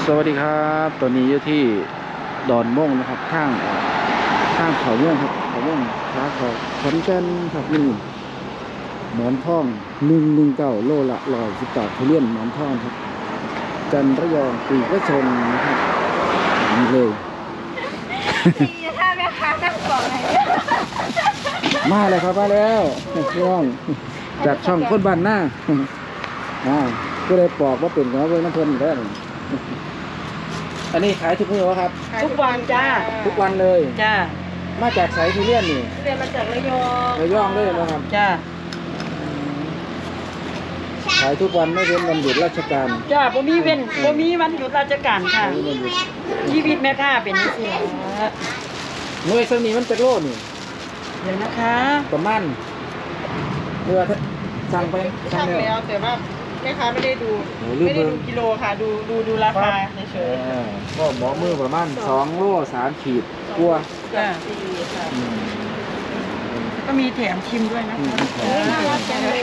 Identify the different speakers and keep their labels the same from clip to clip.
Speaker 1: สวัสดีครับตอนนี้อยู่ที่ดอนม่วงนะครับข้างเขาม่วงครับเขาม่วงค้าเขาขอนแก่นครับนี่หมอนทอง119โลละ110 บาททุเรียนหมอนทองครับจันระยองปีกระชนนะครับนี่เลย
Speaker 2: ถ้าแม่ค้านั่งบอกไหน
Speaker 1: มาเลยครับมาแล้วพี่น้องจากช่องคนบ้านหน้าก็เลยปอกว่าเป็นของเบิ้งน้ำเพลินได้อันนี้ขายทุกมื้อวะครับ
Speaker 3: ทุกวันจ้า
Speaker 1: ทุกวันเลย
Speaker 3: จ้า
Speaker 1: มาจากไสทุเรียนนี่
Speaker 3: เรียนมาจากระยอง
Speaker 1: ระยองเลยนะครับ
Speaker 3: จ้า
Speaker 1: ขายทุกวันไม่เว้นวันหยุดราชการ
Speaker 3: จ้าบ่มีเว้นบ่มีวันหยุดราชการค่ะ
Speaker 1: ไม่มีวันหยุด
Speaker 3: ชีวิตแม่ค้าเป็นจังซี่
Speaker 1: หน่วยสนีมันจะโลนี่
Speaker 3: เดี๋ยวนะคะ
Speaker 1: ประมาณเรือสั่งไปสั่ง
Speaker 3: ทำ
Speaker 1: แล้ว
Speaker 3: แล้วแต่ว่าแม่ค้าไม่ได้ดู
Speaker 1: โอ้ลืม
Speaker 3: ไม่ได้
Speaker 1: เบิ่
Speaker 3: ดู
Speaker 1: ง
Speaker 3: กิโลค่ะ ดูราคาเฉย
Speaker 1: ก็หมอมือประมาณ2 โล 3 ขีดกลัว
Speaker 3: ๆจ้าก็มีแถมชิมด้วยนะคะ
Speaker 2: น่ารักจังเลย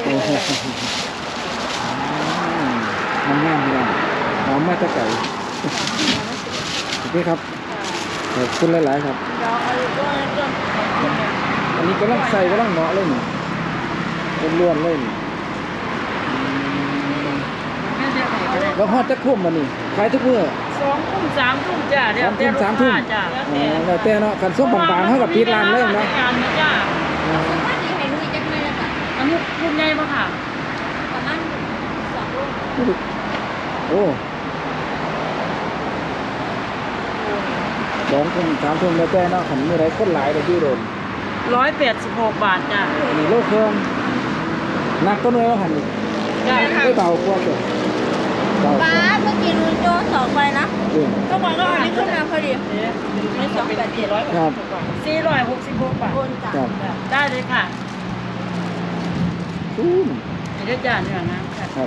Speaker 1: มันง่ายพี่น้องหอมมาจากไก่โอเคครับขอบคุณหลายๆครับ
Speaker 3: เราเอาด้วย
Speaker 1: อันนี้กำลังใส่กำลังเหมาะเลยนี่ล้วนๆเลยนี่
Speaker 3: แม่เดี๋ยวไหนก็ได้
Speaker 1: แล้วฮอดจะคุ้มมันนี่ขายทุกมื้อ
Speaker 3: 2 ทุ่ม 3 ทุ่มจ้าเดี๋ยว
Speaker 1: 3 ทุ่ม
Speaker 3: จ้า
Speaker 1: แล้วแต่เนาะคันส้มบางๆเท่ากับปิดร้านเลยเนาะ
Speaker 3: งานนะจ้า
Speaker 2: ถ้าดีให้ลุยจักเลยละค่ะ
Speaker 3: อันนี้ลูกใหญ่ป่ะค่ะ
Speaker 2: ประมาณ2 ลูก
Speaker 1: โอ้2 ทุ่ม 3 ทุ่มแล้วแต่เนาะคันมื้อใดคนหลายก็อยู่โดน
Speaker 3: 186 บาทจ้า
Speaker 1: อันนี้โลเครื่องหนักก็น้อยว่าหั่นนี่
Speaker 3: จ้า
Speaker 1: ไม่เบากว่าตัวเบา
Speaker 2: ป้าเมื่อกี้ลุยโจ้2ไปนะ
Speaker 1: เออ
Speaker 2: ก็บอกว่าอันนี้ขึ้นมาพอดีไม่287
Speaker 1: ครับ
Speaker 3: 466 บาท
Speaker 2: โอนจ้ะ
Speaker 1: ครับ
Speaker 3: ได้เลยค่ะ
Speaker 1: อืม
Speaker 3: เดี๋ยวจ้าเนื้อน้ำค่ะ
Speaker 1: ครับ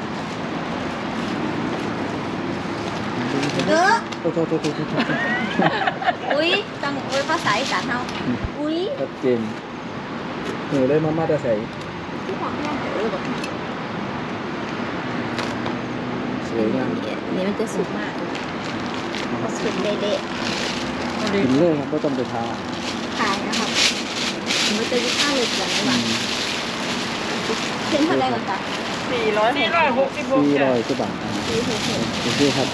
Speaker 2: เด้อ
Speaker 1: โอ้โทษ
Speaker 2: อุ้ยจังอุ้ยภาษาอีสานเฮาอุ้ย
Speaker 1: ชัดเจนเลยมาแต่ใส่
Speaker 2: ที่ของแม่เออบอก
Speaker 1: สวยงาม
Speaker 2: นี่มันจะสุกมากสุกเละ
Speaker 1: กินเลยครับก็ต้องไปทา
Speaker 2: ๆขายนะครับมันจะยิ่งค่าเลยกันนะว่าเส้นเท่าไรก่อนจ้ะ
Speaker 3: 466จ้า
Speaker 1: 400กว่าบาท
Speaker 2: 466
Speaker 1: โอเคครับ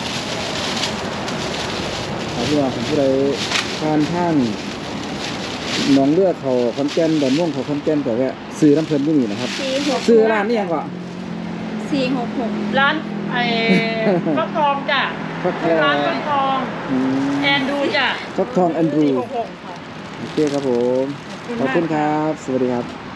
Speaker 1: เอาที่ว่าผมผู้ใดทานท่านหนองเลือดเขาคอนแก่นดอนม่วงเขาคอนแก่นก็แวะซื้อน้ำเพลินที่นี่นะครับ
Speaker 2: 466
Speaker 1: ซื้อร้านนี้ยังก่อน
Speaker 2: 466
Speaker 3: ร้านฟักทองจ้า
Speaker 1: ฟักทอง
Speaker 3: ร้านฟักทอง
Speaker 1: อืม
Speaker 3: แอนดูจ้า
Speaker 1: ฟักทองแอนดรู
Speaker 3: 466ค่ะ
Speaker 1: โอเคครับผมขอบคุณครับ สวัสดีครับ